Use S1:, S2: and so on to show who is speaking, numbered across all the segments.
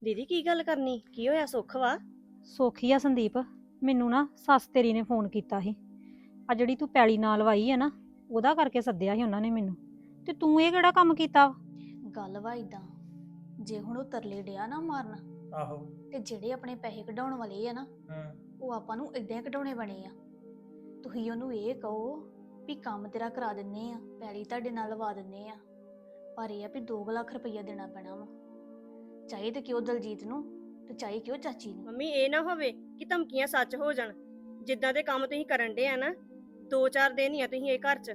S1: ਦੀਦੀ ਕੀ ਗੱਲ ਕਰਨੀ? ਕੀ ਹੋਇਆ? ਸੁੱਖ ਵਾ?
S2: ਸੋਖੀ ਆ ਸੰਦੀਪ। ਮੈਨੂੰ ਨਾ ਸੱਸ ਤੇਰੀ ਨੇ ਫੋਨ ਕੀਤਾ ਸੀ। ਆ ਜਿਹੜੀ ਤੂੰ ਪੈਲੀ ਨਾਲ ਲਵਾਈ ਹੈ ਨਾ, ਉਹਦਾ ਕਰਕੇ ਸੱਦਿਆ ਸੀ ਉਹਨਾਂ ਨੇ ਮੈਨੂੰ। ਤੇ ਤੂੰ ਇਹ ਕਿਹੜਾ ਕੰਮ ਕੀਤਾ ਵਾ?
S3: ਗੱਲ ਵਾ ਇਦਾਂ, ਜੇ ਹੁਣ ਉਹ ਤਰਲੇ ਡਿਆ ਨਾ ਮਾਰਨ,
S4: ਆਹੋ।
S3: ਤੇ ਜਿਹੜੇ ਆਪਣੇ ਪੈਸੇ ਕਢਾਉਣ ਵਾਲੇ ਆ ਨਾ, ਉਹ ਆਪਾਂ ਨੂੰ ਇਦਾਂ ਹੀ ਕਢਾਉਣੇ ਬਣੇ ਆ। ਤੁਸੀਂ ਉਹਨੂੰ ਇਹ ਕਹੋ ਵੀ ਕੰਮ ਤੇਰਾ ਕਰਾ ਦਿੰਨੇ ਆ, ਪੈਲੀ ਤੁਹਾਡੇ ਨਾਲ ਲਵਾ ਦਿੰਨੇ ਆ, ਪਰ ਇਹ ਆ ਵੀ 2 ਲੱਖ ਰੁਪਈਆ ਦੇਣਾ ਪੈਣਾ ਵਾ। ਚਾਹੇ ਤੇ ਕਿਉਂ ਦਲਜੀਤ ਨੂੰ, ਤੇ ਚਾਹੇ ਕਿਉਂ ਚਾਚੀ ਨੂੰ।
S1: ਮੰਮੀ ਇਹ ਨਾ ਹੋਵੇ ਕਿ ਧਮਕੀਆਂ ਸੱਚ ਹੋ ਜਾਣ। ਜਿੱਦਾਂ ਦੇ ਕੰਮ ਤੁਸੀਂ ਕਰਨ ਡੇ ਆ ਨਾ, 2-4 ਦਿਨ ਹੀ ਆ ਤੁਸੀਂ ਇਹ ਘਰ 'ਚ।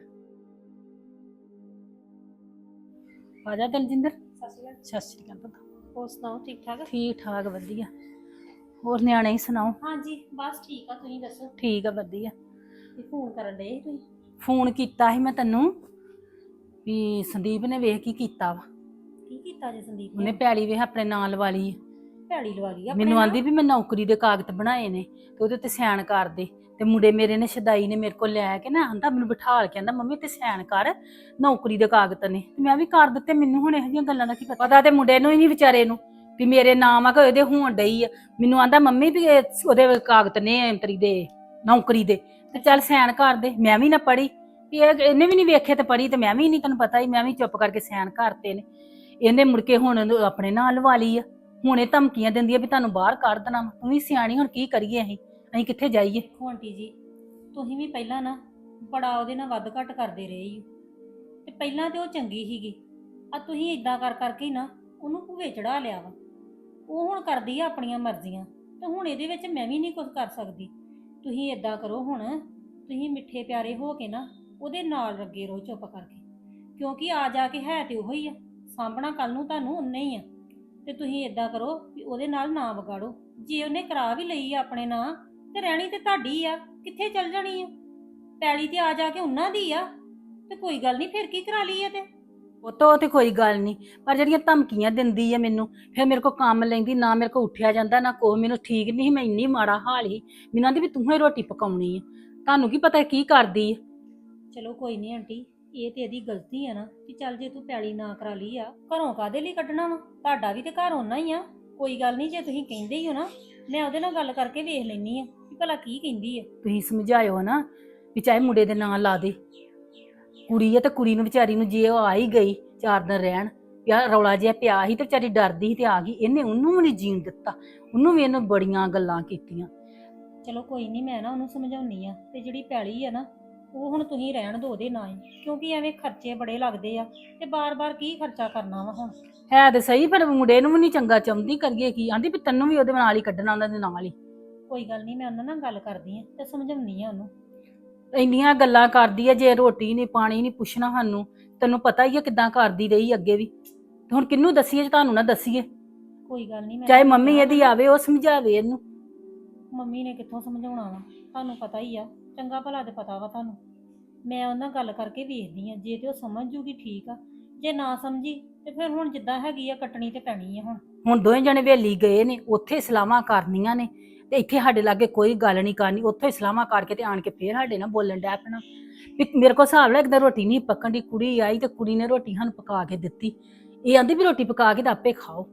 S5: ਆ ਜਾ ਦਲਜਿੰਦਰ। ਸਤਿ ਸ਼੍ਰੀ ਅਕਾਲ ਪੁੱਤ।
S2: ਹੋਰ ਸੁਣਾਓ, ਠੀਕ ਠਾਕ?
S5: ਠੀਕ ਠਾਕ ਵਧੀਆ। ਹੋਰ ਨਿਆਣੇ ਹੀ ਸੁਣਾਓ?
S2: ਹਾਂਜੀ ਬਸ ਠੀਕ ਆ, ਤੁਸੀਂ ਦੱਸੋ?
S5: ਠੀਕ ਆ ਵਧੀਆ।
S2: ਇਹ ਫੋਨ ਕਰਨ ਡਏ ਸੀ ਤੁਸੀਂ?
S5: ਫੋਨ ਕੀਤਾ ਸੀ ਮੈਂ ਤੈਨੂੰ ਵੀ ਸੰਦੀਪ ਨੇ ਵੇਖ ਕੀ ਕੀਤਾ ਵਾ।
S2: ਕੀ ਕੀਤਾ ਜੇ ਸੰਦੀਪ
S5: ਉਹਨੇ
S2: ਨੇ?
S5: ਪੈਲੀ ਵੇਖ ਆਪਣੇ ਨਾਂ ਲਵਾ ਲਈ ਆ।
S2: ਪੈਲੀ ਲਵਾ ਲਈ ਆਪਣੇ
S5: ਮੈਨੂੰ
S2: ਨਾਲ?
S5: ਆਂਦੀ ਵੀ ਮੈਂ ਨੌਕਰੀ ਦੇ ਕਾਗਜ਼ ਬਣਾਏ ਨੇ ਤੇ ਉਹਦੇ ਤੇ ਸਾਈਨ ਕਰ ਦੇ। ਤੇ ਮੁੰਡੇ ਮੇਰੇ ਨੇ ਸ਼ਦਾਈ ਨੇ ਮੇਰੇ ਕੋਲ ਲੈ ਕੇ ਨਾ ਆਂਦਾ ਮੈਨੂੰ ਬਿਠਾਲ ਕੇ ਆਂਦਾ ਮੰਮੀ ਤੇ ਸਾਈਨ ਕਰ, ਨੌਕਰੀ ਦੇ ਕਾਗਜ਼ ਨੇ। ਤੇ ਮੈਂ ਵੀ ਕਰ ਦਿੱਤੇ। ਮੈਨੂੰ ਹੁਣ ਇਹੋ ਜਿਹੀਆਂ ਗੱਲਾਂ ਦਾ ਕੀ ਪਤਾ ਤੇ ਮੁੰਡੇ ਨੂੰ ਹੀ ਨਹੀਂ ਵਿਚਾਰੇ ਨੂੰ ਵੀ ਮੇਰੇ ਨਾਮ ਆ ਕਿ ਉਹਦੇ ਹੋਣ ਡਈ ਆ। ਮੈਨੂੰ ਆਂਦਾ ਮੰਮੀ ਵੀ ਉਹਦੇ ਕਾਗਜ਼ ਨੇ ਐਂਟਰੀ ਦੇ ਨੌਕਰੀ ਦੇ, ਤੇ ਚੱਲ ਸਾਈਨ ਕਰ ਦੇ। ਮੈਂ ਵੀ ਨਾ ਪੜ੍ਹੀ ਵੀ ਇਹਨੇ ਵੀ ਨਹੀਂ ਵੇਖੇ ਤੇ ਪੜ੍ਹੀ ਤੇ ਮੈਂ ਵੀ ਨਹੀਂ, ਤੈਨੂੰ ਪਤਾ ਹੀ ਮੈਂ ਵੀ ਚੁੱਪ ਕਰਕੇ ਸਾਈਨ ਕਰਤੇ ਨੇ। ਇਹਨੇ ਮੁੜ ਕੇ ਹੁਣ ਆਪਣੇ ਨਾਂ ਲਵਾ ਲਈ ਆ। ਹੁਣ ਇਹ ਧਮਕੀਆਂ ਦਿੰਦੀ ਆ ਵੀ ਤੁਹਾਨੂੰ ਬਾਹਰ ਕੱਢ ਦੇਣਾ। ਤੂੰ ਵੀ ਸਿਆਣੀ, ਹੁਣ ਕੀ ਕਰੀਏ ਅਸੀਂ ਕਿੱਥੇ ਜਾਈਏ?
S2: ਆਂਟੀ ਜੀ, ਤੁਸੀਂ ਵੀ ਪਹਿਲਾਂ ਨਾ ਬੜਾ ਉਹਦੇ ਨਾਲ ਵੱਧ ਘੱਟ ਕਰਦੇ ਰਹੇ ਹੀ। ਤੇ ਪਹਿਲਾਂ ਤੇ ਉਹ ਚੰਗੀ ਸੀਗੀ, ਆ ਤੁਸੀਂ ਇਦਾਂ ਕਰ ਕਰਕੇ ਹੀ ਨਾ ਉਹਨੂੰ ਭੂਵੇ ਚੜਾ ਲਿਆ ਵਾ। ਉਹ ਹੁਣ ਕਰਦੀ ਆ ਆਪਣੀਆਂ ਮਰਜ਼ੀਆਂ, ਤੇ ਹੁਣ ਇਹਦੇ ਵਿੱਚ ਮੈਂ ਵੀ ਨਹੀਂ ਕੁਝ ਕਰ ਸਕਦੀ। ਤੁਸੀਂ ਇਦਾਂ ਕਰੋ, ਹੁਣ ਤੁਸੀਂ ਮਿੱਠੇ ਪਿਆਰੇ ਹੋ ਕੇ ਨਾ ਉਹਦੇ ਨਾਲ ਲੱਗੇ ਰਹੋ ਚੁੱਪ ਕਰਕੇ, ਕਿਉਂਕਿ ਆ ਜਾ ਕੇ ਹੈ ਤੇ ਉਹੋ ਹੀ ਆ, ਸਾਂਭਣਾ ਕੱਲ ਨੂੰ ਤੁਹਾਨੂੰ ਉਹਨੇ ਹੀ ਆ। ਤੇ ਤੁਸੀਂ ਇਦਾਂ ਕਰੋ ਵੀ ਉਹਦੇ ਨਾਲ ਨਾ ਵਿਗਾੜੋ। ਜੇ ਉਹਨੇ ਕਰਾ ਵੀ ਲਈ ਆ ਆਪਣੇ ਨਾਂ, ਤੇ ਰਹਿਣੀ ਤੇ ਤੁਹਾਡੀ ਆ, ਕਿੱਥੇ ਚਲ ਜਾਣੀ ਆ? ਪੈਲੀ ਤੇ ਆ ਜਾ ਕੇ ਉਹਨਾਂ ਦੀ ਆ, ਤੇ ਕੋਈ ਗੱਲ ਨਹੀਂ, ਫਿਰ ਕੀ ਕਰਾ ਲਈ ਆ? ਤੇ
S5: ਉਹ ਤੇ ਕੋਈ ਗੱਲ ਨਹੀਂ, ਪਰ ਜਿਹੜੀਆਂ ਧਮਕੀਆਂ ਦਿੰਦੀ ਆ ਮੈਨੂੰ, ਫਿਰ ਮੇਰੇ ਕੋਲ ਕੰਮ ਲੈਂਦੀ ਨਾ, ਮੇਰੇ ਕੋਲ ਉੱਠਿਆ ਜਾਂਦਾ ਨਾ ਕੋਹ। ਮੈਨੂੰ ਠੀਕ ਨਹੀਂ, ਮੈਂ ਇੰਨੀ ਮਾੜਾ ਹਾਲ ਹੀ। ਮੈਨੂੰ ਆਂਦੀ ਵੀ ਤੂੰ ਹੀ ਰੋਟੀ ਪਕਾਉਣੀ ਆ। ਤੁਹਾਨੂੰ ਕੀ ਪਤਾ ਕੀ ਕਰਦੀ ਆ?
S2: ਚਲੋ ਕੋਈ ਨਹੀਂ ਆਂਟੀ, ਇਹ ਤੇ ਇਹਦੀ ਗਲਤੀ ਆ ਨਾ ਕਿ ਚੱਲ ਜੇ ਤੂੰ ਪੈਲੀ ਨਾ ਕਰਾ ਲਈ ਆ, ਘਰੋਂ ਕਾਦੇ ਲਈ ਕੱਢਣਾ ਵਾ? ਤੁਹਾਡਾ ਵੀ ਤੇ ਘਰ ਓਨਾ ਹੀ ਆ। ਕੋਈ ਗੱਲ ਨਹੀਂ, ਜੇ ਤੁਸੀਂ ਕਹਿੰਦੇ ਹੀ ਹੋ ਨਾ, ਮੈਂ ਉਹਦੇ ਨਾਲ ਗੱਲ ਕਰਕੇ ਵੇਖ ਲੈਣੀ ਆ ਕਿ ਭਲਾ ਕੀ ਕਹਿੰਦੀ ਆ।
S5: ਤੁਸੀਂ ਸਮਝਾਇਓ ਨਾ ਵੀ ਚਾਹੇ ਮੁੰਡੇ ਦੇ ਨਾਂ ਲਾ ਦੇ। ਕੁੜੀ ਆ ਤੇ ਕੁੜੀ ਨੂੰ ਵਿਚਾਰੀ ਨੂੰ, ਜੇ ਉਹ ਆ ਹੀ ਗਈ 4 ਦਿਨ ਰਹਿਣ, ਯਾਰ ਰੌਲਾ ਜਿਹਾ ਪਿਆ ਸੀ ਤੇ ਵਿਚਾਰੀ ਡਰਦੀ ਸੀ ਤੇ ਆ ਗਈ। ਇਹਨੇ ਉਹਨੂੰ ਵੀ ਨਹੀਂ ਜੀਣ ਦਿੱਤਾ, ਉਹਨੂੰ ਵੀ ਇਹਨੂੰ ਬੜੀਆਂ ਗੱਲਾਂ ਕੀਤੀਆਂ।
S2: ਚਲੋ ਕੋਈ ਨਹੀਂ, ਮੈਂ ਨਾ ਉਹਨੂੰ ਸਮਝਾਉਣੀ ਆ। ਤੇ ਜਿਹੜੀ ਪੈਲੀ ਆ ਨਾ, ਉਹ ਹੁਣ ਤੁਸੀਂ ਰਹਿਣ ਦਿਓ ਉਹਦੇ ਨਾਂ ਹੀ, ਕਿਉਂਕਿ ਐਵੇਂ ਖਰਚੇ ਬੜੇ ਲੱਗਦੇ ਆ, ਤੇ ਬਾਰ-ਬਾਰ ਕੀ ਖਰਚਾ ਕਰਨਾ ਵਾ ਹੁਣ?
S5: ਹੈ ਤੇ ਸਹੀ, ਪਰ ਮੁੰਡੇ ਨੂੰ ਵੀ ਨਹੀਂ ਚੰਗਾ ਚਾਹੁੰਦੀ। ਕਰੀਏ ਕੀ? ਆਂਦੀ ਵੀ ਤੈਨੂੰ ਵੀ ਉਹਦੇ ਨਾਲ ਹੀ ਕੱਢਣਾ, ਉਹਨਾਂ ਦੇ ਨਾਲ ਹੀ।
S2: ਕੋਈ ਗੱਲ ਨਹੀਂ, ਮੈਂ ਉਹਨਾਂ ਨਾਲ ਗੱਲ ਕਰਦੀ ਆ ਤੇ ਸਮਝਾਉਣੀ ਆ ਉਹਨੂੰ।
S5: ਇੰਨੀਆਂ ਗੱਲਾਂ ਕਰਦੀ ਆ, ਜੇ ਰੋਟੀ ਨਹੀਂ ਪਾਣੀ ਨਹੀਂ ਪੁੱਛਣਾ ਸਾਨੂੰ। ਤੈਨੂੰ ਪਤਾ ਹੀ ਆ ਕਿੱਦਾਂ ਕਰਦੀ ਰਹੀ ਅੱਗੇ ਵੀ। ਤੇ ਹੁਣ ਕਿਹਨੂੰ ਦੱਸੀਏ ਜੇ ਤੁਹਾਨੂੰ ਨਾ ਦੱਸੀਏ?
S2: ਕੋਈ ਗੱਲ ਨਹੀਂ,
S5: ਚਾਹੇ ਮੰਮੀ ਇਹਦੀ ਆਵੇ, ਉਹ ਸਮਝਾਵੇ ਇਹਨੂੰ।
S2: ਮੰਮੀ ਨੇ ਕਿੱਥੋਂ ਸਮਝਾਉਣਾ ਵਾ? ਤੁਹਾਨੂੰ ਪਤਾ ਹੀ ਆ, ਚੰਗਾ ਭਲਾ ਤੇ ਪਤਾ ਵਾ ਤੁਹਾਨੂੰ। ਮੈਂ ਉਹਨਾਂ ਨਾਲ ਗੱਲ ਕਰਕੇ ਵੇਖਦੀ ਆ, ਜੇ ਤੇ ਉਹ ਸਮਝ ਜੂਗੀ ਠੀਕ ਆ, ਜੇ ਨਾ ਸਮਝੀ ਤੇ ਫਿਰ ਹੁਣ ਜਿੱਦਾਂ ਹੈਗੀ ਆ ਕੱਟਣੀ ਤੇ ਪੈਣੀ ਆ ਹੁਣ।
S5: ਹੁਣ ਦੋਵੇਂ ਜਣੇ ਵੇਲੀ ਗਏ ਨੇ, ਉੱਥੇ ਸਲਾਹਾਂ ਕਰਨੀਆਂ ਨੇ, ਤੇ ਇੱਥੇ ਸਾਡੇ ਲਾਗੇ ਕੋਈ ਗੱਲ ਨਹੀਂ ਕਰਨੀ। ਉੱਥੇ ਸਲਾਹਾਂ ਕਰਕੇ ਤੇ ਆਣ ਕੇ ਫੇਰ ਸਾਡੇ ਨਾਲ ਬੋਲਣ ਡੈ ਪੈਣਾ ਵੀ ਮੇਰੇ ਕੋਲ ਹਿਸਾਬ ਲੈ, ਇੱਕਦਾਂ ਰੋਟੀ ਨਹੀਂ ਪੱਕਣ ਦੀ। ਕੁੜੀ ਆਈ ਤੇ ਕੁੜੀ ਨੇ ਰੋਟੀ ਸਾਨੂੰ ਪਕਾ ਕੇ ਦਿੱਤੀ। ਇਹ ਆਂਦੀ ਵੀ ਰੋਟੀ ਪਕਾ ਕੇ ਤਾਂ ਆਪੇ ਖਾਓ।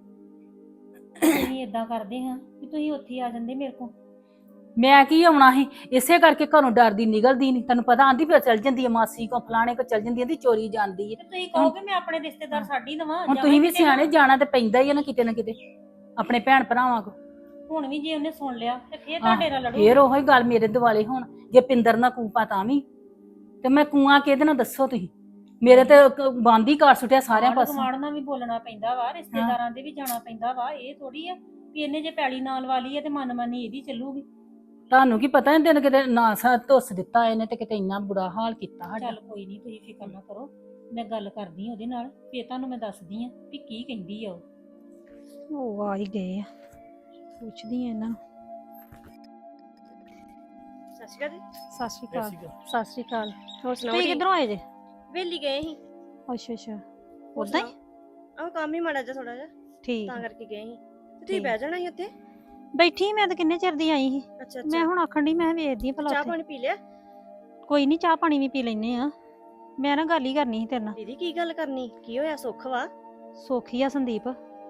S2: ਅਸੀਂ ਇਦਾਂ ਕਰਦੇ ਹਾਂ ਕਿ ਤੁਸੀਂ ਉੱਥੇ ਆ ਜਾਂਦੇ ਮੇਰੇ ਕੋਲ।
S5: ਮੈਂ ਕੀ ਆਉਣਾ ਸੀ? ਇਸੇ ਕਰਕੇ ਘਰੋਂ ਡਰਦੀ ਨਿਕਲਦੀ ਨਹੀਂ। ਤੈਨੂੰ ਪਤਾ, ਆਂਦੀ ਫਿਰ ਚੱਲ ਜਾਂਦੀ ਹੈ ਮਾਸੀ ਕੋ, ਫਲਾਣੇ ਕੋ ਚੱਲ ਜਾਂਦੀ, ਆਂਦੀ ਚੋਰੀ ਜਾਂਦੀ ਹੈ।
S2: ਤੇ ਤੁਸੀਂ ਕਹੋਗੇ ਮੈਂ ਆਪਣੇ ਰਿਸ਼ਤੇਦਾਰ ਛੱਡ ਹੀ ਦਵਾਂ?
S5: ਹੁਣ ਤੁਸੀਂ ਵੀ ਸਿਆਣੇ, ਜਾਣਾ ਤੇ ਪੈਂਦਾ ਹੀ ਆ ਨਾ ਕਿਤੇ ਨਾ ਕਿਤੇ ਆਪਣੇ ਭੈਣ ਭਰਾਵਾਂ ਕੋ।
S2: ਹੁਣ ਵੀ ਜੇ ਉਹਨੇ ਸੁਣ ਲਿਆ ਤੇ ਫੇਰ ਤੁਹਾਡੇ ਨਾਲ ਲੜੂ।
S5: ਫੇਰ ਉਹੀ ਗੱਲ ਮੇਰੇ ਦੁਆਲੇ। ਹੁਣ ਜੇ ਪਿੰਦਰ ਨਾ ਕੂਪਾ ਤਾਂ ਵੀ, ਤੇ ਮੈਂ ਕੂਆਂ ਕਿਹਦੇ ਨਾਲ ਦੱਸੋ ਤੁਸੀਂ? ਮੇਰੇ ਤੇ ਬੰਦ ਹੀ ਕਰ ਸੁੱਟਿਆ ਸਾਰਿਆਂ ਪਾਸੋਂ।
S2: ਕਮਾੜ ਨਾਲ ਵੀ ਬੋਲਣਾ ਪੈਂਦਾ ਵਾ, ਰਿਸ਼ਤੇਦਾਰਾਂ ਦੇ ਵੀ ਜਾਣਾ ਪੈਂਦਾ ਵਾ। ਇਹ ਥੋੜੀ ਆ ਵੀ ਇਹਨੇ ਜੇ ਪੈਲੀ ਨਾਲ ਵਾਲੀ ਹੈ ਤੇ ਮਨਮਾਨੀ ਇਹਦੀ ਚੱਲੂਗੀ।
S5: ਤੁਹਾਨੂੰ ਕੀ ਪਤਾ ਇਹਨੇ ਕਿਤੇ ਨਾ ਸਾ ਧੁੱਸ ਦਿੱਤਾ ਇਹਨੇ, ਤੇ ਕਿਤੇ ਇੰਨਾ ਬੁਰਾ ਹਾਲ ਕੀਤਾ ਸਾਡਾ।
S2: ਚੱਲ ਕੋਈ ਨਹੀਂ, ਤੁਸੀਂ ਫਿਕਰ ਨਾ ਕਰੋ, ਮੈਂ ਗੱਲ ਕਰਦੀ ਉਹਦੇ ਨਾਲ, ਫੇਰ ਤੁਹਾਨੂੰ ਮੈਂ ਦੱਸਦੀ ਆ ਵੀ ਕੀ ਕਹਿੰਦੀ ਆ ਉਹ ਆ ਹੀ ਗਏ ਆ, ਪੁੱਛਦੀ ਆ ਇਹਨਾਂ ਨੂੰ।
S1: ਸਤਿ ਸ਼੍ਰੀ ਅਕਾਲ ਜੀ।
S2: ਸਤਿ ਸ਼੍ਰੀ ਅਕਾਲ। ਸਤਿ ਸ਼੍ਰੀ ਅਕਾਲ।
S1: ਹੋਰ ਸੁਣਾਓ?
S2: ਤੁਸੀਂ ਕਿੱਧਰੋਂ ਆਏ ਜੇ?
S1: ਵੇਲੀ ਗਏ ਸੀ।
S2: ਅੱਛਾ ਅੱਛਾ,
S1: ਹੋਰ
S2: ਉਦਾਂ ਹੀ?
S1: ਸੁਣਾਓ? ਆਹ ਕੰਮ ਹੀ ਮਾੜਾ ਜਿਹਾ ਥੋੜਾ ਜਿਹਾ,
S2: ਠੀਕ
S1: ਤਾਂ ਕਰਕੇ ਗਏ ਸੀ। ਤੇ ਤੁਸੀਂ
S2: ਠੀਕ।
S1: ਬਹਿ ਜਾਣਾ ਸੀ ਉੱਥੇ।
S2: ਬੈਠੀ ਮੈਂ ਤਾਂ ਕਿੰਨੇ ਚਿਰ ਦੀ ਆਈ ਸੀ।
S1: ਅੱਛਾ
S2: ਮੈਂ
S1: ਅੱਛਾ।
S2: ਹੁਣ ਆਖਣ ਦੀ, ਮੈਂ ਵੇਖਦੀ ਆ ਭਲਾ
S1: ਚਾਹ
S2: ਉੱਥੇ।
S1: ਪਾਣੀ ਪੀ ਲਿਆ?
S2: ਕੋਈ ਨਹੀਂ, ਚਾਹ ਪਾਣੀ ਵੀ ਪੀ ਲੈਨੇ ਆ। ਮੈਂ ਨਾ ਗੱਲ ਹੀ ਕਰਨੀ ਸੀ ਤੇਰੇ ਨਾਲ।
S1: ਦੀਦੀ ਕੀ ਗੱਲ ਕਰਨੀ? ਕੀ ਹੋਇਆ? ਸੁੱਖ ਵਾ?
S2: ਸੋਖੀ ਆ ਸੰਦੀਪ।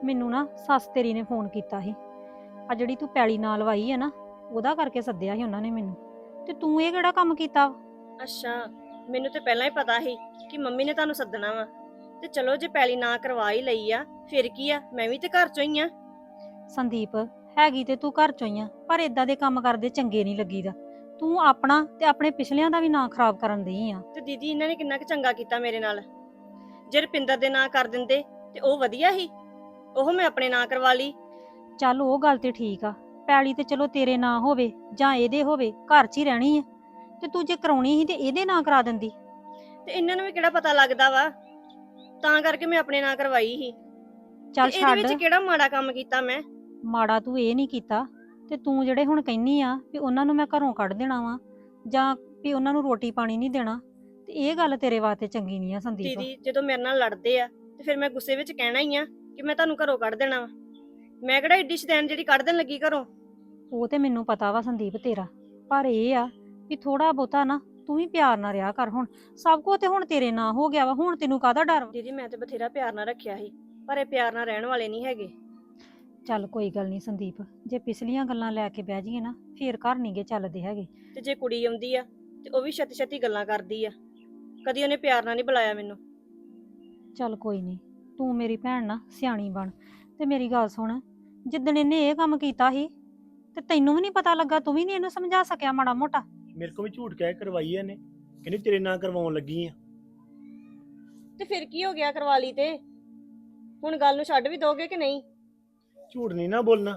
S2: ਮੈਨੂੰ ਨਾ ਸੱਸ ਤੇਰੀ ਨੇ ਫੋਨ ਕੀਤਾ ਸੀ। ਆ ਜਿਹੜੀ ਤੂੰ ਪੈਲੀ ਨਾਲ ਲਵਾਈ ਹੈ ਨਾ, ਉਹਦਾ ਕਰਕੇ ਸੱਦਿਆ ਸੀ ਉਹਨਾਂ ਨੇ ਮੈਨੂੰ। ਤੇ ਤੂੰ ਇਹ ਕਿਹੜਾ ਕੰਮ ਕੀਤਾ ਵਾ?
S1: ਅੱਛਾ, ਮੈਨੂੰ ਤੇ ਪਹਿਲਾਂ ਹੀ ਪਤਾ ਸੀ ਕਿ ਮੰਮੀ ਨੇ ਤੁਹਾਨੂੰ ਸੱਦਣਾ ਵਾ। ਤੇ ਚਲੋ ਜੇ ਪੈਲੀ ਨਾ ਕਰਵਾ ਹੀ ਲਈ ਆ ਫਿਰ ਕੀ ਆ, ਮੈਂ ਵੀ ਤੇ ਘਰ ਚੋਂ ਹੀ ਆ।
S2: ਸੰਦੀਪ, ਹੈਗੀ ਤੇ ਤੂੰ ਘਰ ਚੋਂ ਹੀ ਆ, ਪਰ ਇਦਾਂ ਦੇ ਕੰਮ ਕਰਦੇ ਚੰਗੇ ਨਹੀਂ ਲੱਗੀਦਾ। ਤੂੰ ਆਪਣਾ ਤੇ ਆਪਣੇ ਪਿਛਲਿਆਂ ਦਾ ਵੀ ਨਾਂ ਖਰਾਬ ਕਰਨ ਦਈ ਆ।
S1: ਤੇ ਦੀਦੀ ਇਹਨਾਂ ਨੇ ਕਿੰਨਾ ਕੁ ਚੰਗਾ ਕੀਤਾ ਮੇਰੇ ਨਾਲ। ਜੇ ਰੁਪਿੰਦਰ ਦੇ ਨਾਂ ਕਰ ਦਿੰਦੇ ਤੇ ਉਹ ਵਧੀਆ ਸੀ, ਉਹ ਮੈਂ ਆਪਣੇ ਨਾਂ ਕਰਵਾ ਲਈ।
S2: ਚੱਲ ਉਹ ਗੱਲ ਤੇ ਠੀਕ ਆ, ਪੈਲੀ ਤੇ ਚਲੋ ਤੇਰੇ ਨਾਂ ਹੋਵੇ ਜਾਂ ਇਹਦੇ ਹੋਵੇ, ਘਰ 'ਚ ਹੀ ਰਹਿਣੀ ਆ। ਤੇ ਤੂੰ ਜੇ ਕਰਾਉਣੀ ਸੀ ਤੇ ਇਹਦੇ ਨਾਂ ਕਰਾ ਦਿੰਦੀ।
S1: ਤੇ ਇਹਨਾਂ ਨੂੰ ਵੀ ਕਿਹੜਾ ਪਤਾ ਲੱਗਦਾ ਵਾ, ਤਾਂ ਕਰਕੇ ਮੈਂ ਆਪਣੇ ਨਾਂ ਕਰਵਾਈ ਸੀ।
S2: ਚੱਲ
S1: ਤੇ ਇਹਦੇ
S2: ਛੱਡ,
S1: ਵਿੱਚ ਕਿਹੜਾ ਮਾੜਾ ਕੰਮ ਕੀਤਾ ਮੈਂ?
S2: ਮਾੜਾ ਤੂੰ ਇਹ ਨਹੀਂ ਕੀਤਾ। ਤੇ ਤੂੰ ਜਿਹੜੇ ਹੁਣ ਕਹਿੰਨੀ ਆ ਵੀ ਉਹਨਾਂ ਨੂੰ ਮੈਂ ਘਰੋਂ ਕੱਢ ਦੇਣਾ ਵਾ ਜਾਂ ਵੀ ਉਹਨਾਂ ਨੂੰ ਰੋਟੀ ਪਾਣੀ ਨਹੀਂ ਦੇਣਾ, ਤੇ ਇਹ ਗੱਲ ਤੇਰੇ ਵਾਸਤੇ ਚੰਗੀ ਨਹੀਂ ਆ ਸੰਦੀਪ।
S1: ਦੀਦੀ ਜਦੋਂ ਮੇਰੇ ਨਾਲ ਲੜਦੇ ਆ ਤੇ ਫਿਰ ਮੈਂ ਗੁੱਸੇ ਵਿੱਚ ਕਹਿਣਾ ਹੀ ਆ ਕਿ ਮੈਂ ਤੁਹਾਨੂੰ ਘਰੋਂ ਕੱਢ ਦੇਣਾ ਵਾ। ਮੈਂ ਕਿਹੜਾ ਏਡੀ ਸ਼ੈਤਾਨ ਜਿਹੜੀ ਕੱਢ ਦੇਣ ਲੱਗੀ ਘਰੋਂ।
S2: ਉਹ ਤੇ ਮੈਨੂੰ ਪਤਾ ਵਾ ਸੰਦੀਪ ਤੇਰਾ, ਪਰ ਇਹ ਆ ਵੀ ਥੋੜਾ ਬਹੁਤਾ ਨਾ ਤੂੰ ਵੀ ਪਿਆਰ ਨਾਲ ਰਿਹਾ ਕਰ। ਹੁਣ ਸਭ ਕੁਝ ਤੇ ਹੁਣ ਤੇਰੇ ਨਾਂ ਹੋ ਗਿਆ ਵਾ, ਹੁਣ ਤੈਨੂੰ ਕਾਹਦਾ ਡਰ ਵਾ?
S1: ਦੀਦੀ ਮੈਂ ਤੇ ਬਥੇਰਾ ਪਿਆਰ ਨਾਲ ਰੱਖਿਆ ਸੀ, ਪਰ ਇਹ ਪਿਆਰ ਨਾਲ ਰਹਿਣ ਵਾਲੇ ਨਹੀਂ ਹੈਗੇ।
S2: ਚੱਲ ਕੋਈ ਗੱਲ ਨਹੀਂ ਸੰਦੀਪ, ਜੇ ਪਿਛਲੀਆਂ ਗੱਲਾਂ ਲੈ ਕੇ ਬਹਿ ਜਾਈਏ ਨਾ ਫੇਰ ਘਰ ਨਹੀਂਗੇ ਚੱਲਦੇ ਹੈਗੇ।
S1: ਤੇ ਜੇ ਕੁੜੀ ਆਉਂਦੀ ਆ ਤੇ ਉਹ ਵੀ ਛੱਤੀ ਛੱਤੀ ਗੱਲਾਂ ਕਰਦੀ ਆ, ਕਦੀ ਉਹਨੇ ਪਿਆਰ ਨਾਲ ਨਹੀਂ ਬੁਲਾਇਆ ਮੈਨੂੰ।
S2: ਚੱਲ ਕੋਈ ਨਹੀਂ, ਤੂੰ ਮੇਰੀ ਭੈਣ ਨਾ ਸਿਆਣੀ ਬਣ। ਤੇ ਮੇਰੀ ਗੱਲ ਸੁਣ, ਜਿੱਦਣ ਇਹਨੇ ਇਹ ਕੰਮ ਕੀਤਾ ਸੀ ਤੇ ਤੈਨੂੰ ਵੀ ਨਹੀਂ ਪਤਾ ਲੱਗਾ? ਤੂੰ ਵੀ ਨਹੀਂ ਇਹਨੂੰ ਸਮਝਾ ਸਕਿਆ ਮਾੜਾ ਮੋਟਾ?
S4: ਮੇਰੇ ਕੋਲ ਵੀ ਝੂਠ ਕਹਿ ਕਰਵਾਈ ਇਹਨੇ, ਕਹਿੰਦੀ ਤੇਰੇ ਨਾਂ ਕਰਵਾਉਣ ਲੱਗੀ ਆ।
S1: ਤੇ ਫਿਰ ਕੀ ਹੋ ਗਿਆ, ਕਰਵਾ ਲਈ ਤੇ ਹੁਣ ਗੱਲ ਨੂੰ ਛੱਡ ਵੀ ਦੋਗੇ ਕਿ ਨਹੀਂ?
S4: ਝੂਠ ਨਹੀਂ ਨਾ ਬੋਲਣਾ।